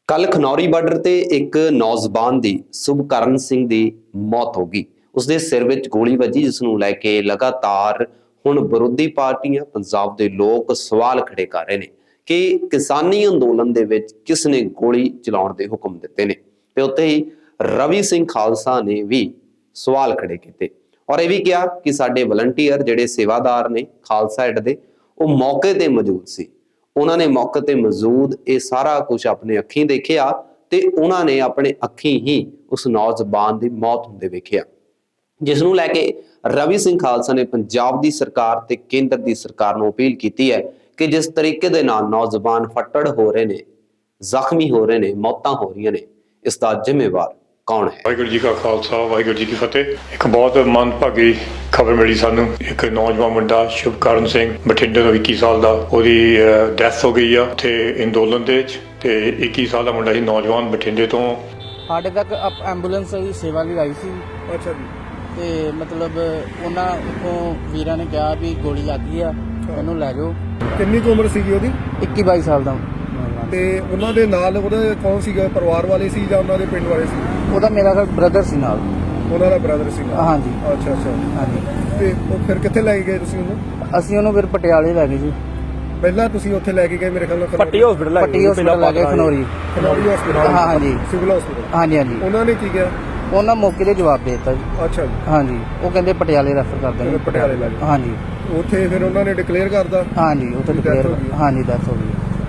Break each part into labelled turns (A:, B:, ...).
A: ਕੱਲ ਖਨੌਰੀ ਬਾਰਡਰ ਤੇ ਇੱਕ ਨੌਜਵਾਨ ਦੀ ਸੁਭਕਰਨ ਸਿੰਘ ਦੀ ਮੌਤ ਹੋ ਗਈ। ਉਸਦੇ ਸਿਰ ਵਿੱਚ ਗੋਲੀ ਵੱਜੀ, ਜਿਸ ਨੂੰ ਲੈ ਕੇ ਲਗਾਤਾਰ ਹੁਣ ਵਿਰੋਧੀ ਪਾਰਟੀਆਂ, ਪੰਜਾਬ ਦੇ ਲੋਕ ਸਵਾਲ ਖੜੇ ਕਰ ਰਹੇ ਨੇ ਕਿ ਕਿਸਾਨੀ ਅੰਦੋਲਨ ਦੇ ਵਿੱਚ ਕਿਸ ਨੇ ਗੋਲੀ ਚਲਾਉਣ ਦੇ ਹੁਕਮ ਦਿੱਤੇ ਨੇ। ਤੇ ਉੱਥੇ ਹੀ ਰਵੀ ਸਿੰਘ ਖਾਲਸਾ ਨੇ ਵੀ ਸਵਾਲ ਖੜੇ ਕੀਤੇ ਔਰ ਇਹ ਵੀ ਕਿਹਾ ਕਿ ਸਾਡੇ ਵਲੰਟੀਅਰ ਜਿਹੜੇ ਸੇਵਾਦਾਰ ਨੇ ਖਾਲਸਾ ਏਡ ਦੇ, ਉਹ ਮੌਕੇ ਤੇ ਮੌਜੂਦ ਸੀ। ਉਹਨਾਂ ਨੇ ਮੌਕੇ ਤੇ ਮੌਜੂਦ ਇਹ ਸਾਰਾ ਕੁਝ ਆਪਣੇ ਅੱਖੀਂ ਦੇਖਿਆ ਤੇ ਉਹਨਾਂ ਨੇ ਆਪਣੇ ਅੱਖੀਂ ਹੀ ਉਸ ਨੌਜਵਾਨ ਦੀ ਮੌਤ ਹੁੰਦੇ ਵੇਖਿਆ, ਜਿਸ ਨੂੰ ਲੈ ਕੇ ਰਵੀ ਸਿੰਘ ਖਾਲਸਾ ਨੇ ਪੰਜਾਬ ਦੀ ਸਰਕਾਰ ਤੇ ਕੇਂਦਰ ਦੀ ਸਰਕਾਰ ਨੂੰ ਅਪੀਲ ਕੀਤੀ ਹੈ ਕਿ ਜਿਸ ਤਰੀਕੇ ਦੇ ਨਾਲ ਨੌਜਵਾਨ ਫੱਟੜ ਹੋ ਰਹੇ ਨੇ, ਜ਼ਖਮੀ ਹੋ ਰਹੇ ਨੇ, ਮੌਤਾਂ ਹੋ ਰਹੀਆਂ ਨੇ, ਇਸ ਦਾ ਜ਼ਿੰਮੇਵਾਰ ਕੌਣ ਹੈ।
B: ਵਾਹਿਗੁਰੂ ਜੀ ਕਾ ਖਾਲਸਾ, ਵਾਹਿਗੁਰੂ ਜੀ ਕੀ ਫਤਿਹ। ਇੱਕ ਬਹੁਤ ਮੰਦਭਾਗੀ ਖਬਰ ਮਿਲੀ ਸਾਨੂੰ। ਇੱਕ ਨੌਜਵਾਨ ਮੁੰਡਾ ਸ਼ੁਭਕਰਨ ਸਿੰਘ, ਬਠਿੰਡੇ ਦਾ 21 ਸਾਲ ਦਾ, ਉਹਦੀ ਡੈਥ ਹੋ ਗਈ ਆ ਤੇ ਅੰਦੋਲਨ ਦੇ ਵਿੱਚ। ਤੇ 21 ਸਾਲ ਦਾ ਮੁੰਡਾ ਸੀ, ਨੌਜਵਾਨ, ਬਠਿੰਡੇ ਤੋਂ।
C: ਸਾਡੇ ਤੱਕ ਐਂਬੂਲੈਂਸ ਦੀ ਸੇਵਾ ਲਈ ਆਈ ਸੀ।
D: ਅੱਛਾ ਜੀ।
C: ਤੇ ਮਤਲਬ ਉਹਨਾਂ ਤੋਂ ਵੀਰਾਂ ਨੇ ਕਿਹਾ ਵੀ ਗੋਲੀ ਲੱਗ ਗਈ ਆ, ਉਹਨੂੰ ਲੈ ਜਾਓ।
D: ਕਿੰਨੀ ਕੁ ਉਮਰ ਸੀਗੀ ਉਹਦੀ?
C: 21-22 ਸਾਲ ਦਾ।
D: ਤੇ ਉਹਨਾਂ ਦੇ ਨਾਲ ਉਹਦੇ ਕੌਣ ਸੀਗਾ? ਪਰਿਵਾਰ ਵਾਲੇ ਸੀ ਜਾਂ ਉਹਨਾਂ ਦੇ ਪਿੰਡ ਵਾਲੇ ਸੀ?
C: ਉਹਦਾ ਮੇਰਾ ਬ੍ਰਦਰ ਸੀ ਨਾਲ।
D: ਉਹਨਾਂ ਦਾ ਬ੍ਰਦਰ ਸੀ ਨਾਲ?
C: ਹਾਂਜੀ।
D: ਅੱਛਾ ਅੱਛਾ।
C: ਹਾਂਜੀ।
D: ਤੇ ਉਹ ਫਿਰ ਕਿੱਥੇ ਲੈ ਕੇ ਗਏ ਤੁਸੀਂ ਉਹਨੂੰ?
C: ਅਸੀਂ ਉਹਨੂੰ ਫਿਰ ਪਟਿਆਲੇ ਲੈ ਗਏ ਜੀ।
D: ਪਹਿਲਾਂ ਤੁਸੀਂ ਉੱਥੇ ਲੈ ਕੇ ਗਏ ਮੇਰੇ ਖਿਆਲ ਨਾਲ
C: ਪੱਟੀ ਹਸਪੀਟਲ ਲੈ ਗਏ, ਖਨੌਰੀ
D: ਹਸਪੀਟਲ।
C: ਹਾਂਜੀ,
D: ਸਿਵਲ ਹਸਪੀਟਲ।
C: ਹਾਂਜੀ ਹਾਂਜੀ।
D: ਉਹਨਾਂ ਨੇ ਕੀ ਕਿਹਾ?
C: ਉਹਨਾਂ ਮੌਕੇ ਤੇ ਜਵਾਬ ਦੇ ਦਿੱਤਾ ਜੀ।
D: ਅੱਛਾ ਜੀ।
C: ਹਾਂਜੀ, ਉਹ ਕਹਿੰਦੇ ਪਟਿਆਲੇ ਰੈਫਰ ਕਰ ਦਾਂਗੇ।
D: ਪਟਿਆਲੇ ਲੈ ਗਏ।
C: ਹਾਂਜੀ।
D: ਉੱਥੇ ਫਿਰ ਉਹਨਾਂ ਨੇ ਡਿਕਲੇਅਰ ਕਰਦਾ?
C: ਹਾਂਜੀ, ਉੱਥੇ ਡਿਕਲੇਅਰ। ਹਾਂਜੀ, ਡੈਥ ਹੋ ਗਈ।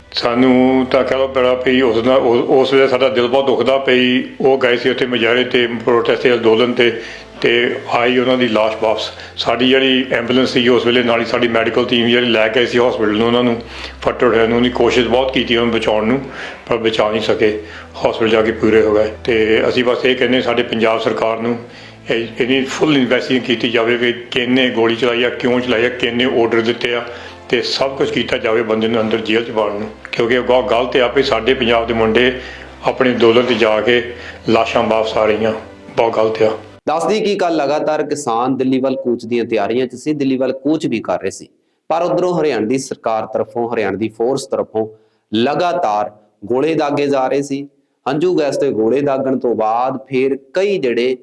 B: ਸਾਨੂੰ ਤਾਂ ਕਹਿ ਲਓ ਬੜਾ ਪਈ ਉਸ ਵੇਲੇ ਸਾਡਾ ਦਿਲ ਬਹੁਤ ਦੁਖਦਾ ਪਈ। ਉਹ ਗਏ ਸੀ ਉੱਥੇ ਮੁਜ਼ਾਹਰੇ ਤੇ, ਪ੍ਰੋਟੈਸਟ ਤੇ, ਅੰਦੋਲਨ ਤੇ ਆਈ ਉਹਨਾਂ ਦੀ ਲਾਸ਼ ਵਾਪਸ। ਸਾਡੀ ਜਿਹੜੀ ਐਂਬੂਲੈਂਸ ਸੀ ਉਸ ਵੇਲੇ ਨਾਲ ਹੀ ਸਾਡੀ ਮੈਡੀਕਲ ਟੀਮ ਜਿਹੜੀ ਲੈ ਕੇ ਆਈ ਸੀ ਹਸਪੀਟਲ ਨੂੰ, ਉਹਨਾਂ ਨੂੰ ਫੱਟੜ ਹੋਇਆ ਨੂੰ, ਉਹਦੀ ਕੋਸ਼ਿਸ਼ ਬਹੁਤ ਕੀਤੀ ਉਹਨੂੰ ਬਚਾਉਣ ਨੂੰ, ਪਰ ਬਚਾ ਨਹੀਂ ਸਕੇ। ਹਸਪੀਟਲ ਜਾ ਕੇ ਪੂਰੇ ਹੋ ਗਏ। ਤੇ ਅਸੀਂ ਬਸ ਇਹ ਕਹਿੰਦੇ ਸਾਡੇ ਪੰਜਾਬ ਸਰਕਾਰ ਨੂੰ ਇਹਦੀ ਫੁੱਲ ਇਨਵੈਸਟੀਗੇਸ਼ਨ ਕੀਤੀ ਜਾਵੇ ਵੀ ਕਿਹਨੇ ਗੋਲੀ ਚਲਾਈ ਆ, ਕਿਉਂ ਚਲਾਈ ਆ, ਕਿਹਨੇ ਆਰਡਰ ਦਿੱਤੇ ਆ, ਤੇ ਸਭ ਕੁਝ ਕੀਤਾ ਜਾਵੇ ਬੰਦੇ ਨੂੰ ਅੰਦਰ ਜੇਲ੍ਹ 'ਚ ਪਾਉਣ ਨੂੰ। ਕਿਉਂਕਿ ਬਹੁਤ ਗਲਤ ਆ ਵੀ ਸਾਡੇ ਪੰਜਾਬ ਦੇ ਮੁੰਡੇ ਆਪਣੇ ਅੰਦੋਲਨ 'ਤੇ ਜਾ ਕੇ ਲਾਸ਼ਾਂ ਵਾਪਸ ਆ ਰਹੀਆਂ, ਬਹੁਤ ਗਲਤ ਆ।
A: ਦੱਸਦੀ ਕਿ ਕੱਲ ਲਗਾਤਾਰ ਕਿਸਾਨ ਦਿੱਲੀ ਵੱਲ ਕੂਚ ਦੀਆਂ ਤਿਆਰੀਆਂ 'ਚ ਸੀ, ਦਿੱਲੀ ਵੱਲ ਕੂਚ ਵੀ ਕਰ ਰਹੇ ਸੀ, ਪਰ ਉਧਰੋਂ ਹਰਿਆਣਾ ਦੀ ਸਰਕਾਰ ਤਰਫੋਂ, ਹਰਿਆਣਾ ਦੀ ਫੋਰਸ ਤਰਫੋਂ ਲਗਾਤਾਰ ਗੋਲੇ ਦਾਗੇ ਜਾ ਰਹੇ ਸੀ। ਹੰਝੂ ਗੈਸ ਤੇ ਗੋਲੇ ਦਾਗਣ ਤੋਂ ਬਾਅਦ ਫਿਰ ਕਈ ਜਿਹੜੇ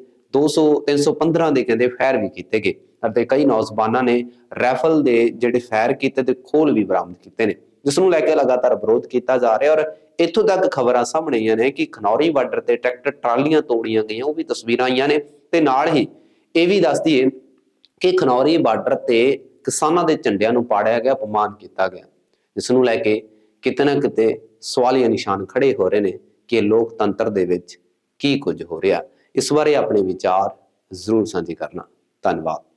A: 200-315 ਦੇ ਕਹਿੰਦੇ ਫਾਇਰ ਵੀ ਕੀਤੇ ਗਏ ਅਤੇ ਕਈ ਨੌਜਵਾਨਾਂ ਨੇ ਰਾਈਫਲ ਦੇ ਜਿਹੜੇ ਫਾਇਰ ਕੀਤੇ ਤੇ ਖੋਲ ਵੀ ਬਰਾਮਦ ਕੀਤੇ ਨੇ, ਜਿਸ ਨੂੰ ਲੈ ਕੇ ਲਗਾਤਾਰ ਵਿਰੋਧ ਕੀਤਾ ਜਾ ਰਿਹਾ। ਔਰ ਇੱਥੋਂ ਤੱਕ ਖਬਰਾਂ ਸਾਹਮਣੇ ਆਈਆਂ ਨੇ ਕਿ ਖਨੌਰੀ ਬਾਰਡਰ ਤੇ ਟਰੈਕਟਰ ਟਰਾਲੀਆਂ ਤੋੜੀਆਂ ਗਈਆਂ, ਉਹ ਵੀ ਤਸਵੀਰਾਂ ਆਈਆਂ ਨੇ। ਤੇ ਨਾਲ ਹੀ ਇਹ ਵੀ ਦੱਸ ਦਈਏ ਕਿ ਖਨੌਰੀ ਬਾਰਡਰ ਤੇ ਕਿਸਾਨਾਂ ਦੇ ਝੰਡਿਆਂ ਨੂੰ ਪਾੜਿਆ ਗਿਆ, ਅਪਮਾਨ ਕੀਤਾ ਗਿਆ, ਜਿਸ ਨੂੰ ਲੈ ਕੇ ਕਿਤੇ ਨਾ ਕਿਤੇ ਸਵਾਲੀਆ ਨਿਸ਼ਾਨ ਖੜੇ ਹੋ ਰਹੇ ਨੇ ਕਿ ਲੋਕਤੰਤਰ ਦੇ ਵਿੱਚ ਕੀ ਕੁਝ ਹੋ ਰਿਹਾ। ਇਸ ਬਾਰੇ ਆਪਣੇ ਵਿਚਾਰ ਜ਼ਰੂਰ ਸਾਂਝੇ ਕਰਨਾ। ਧੰਨਵਾਦ।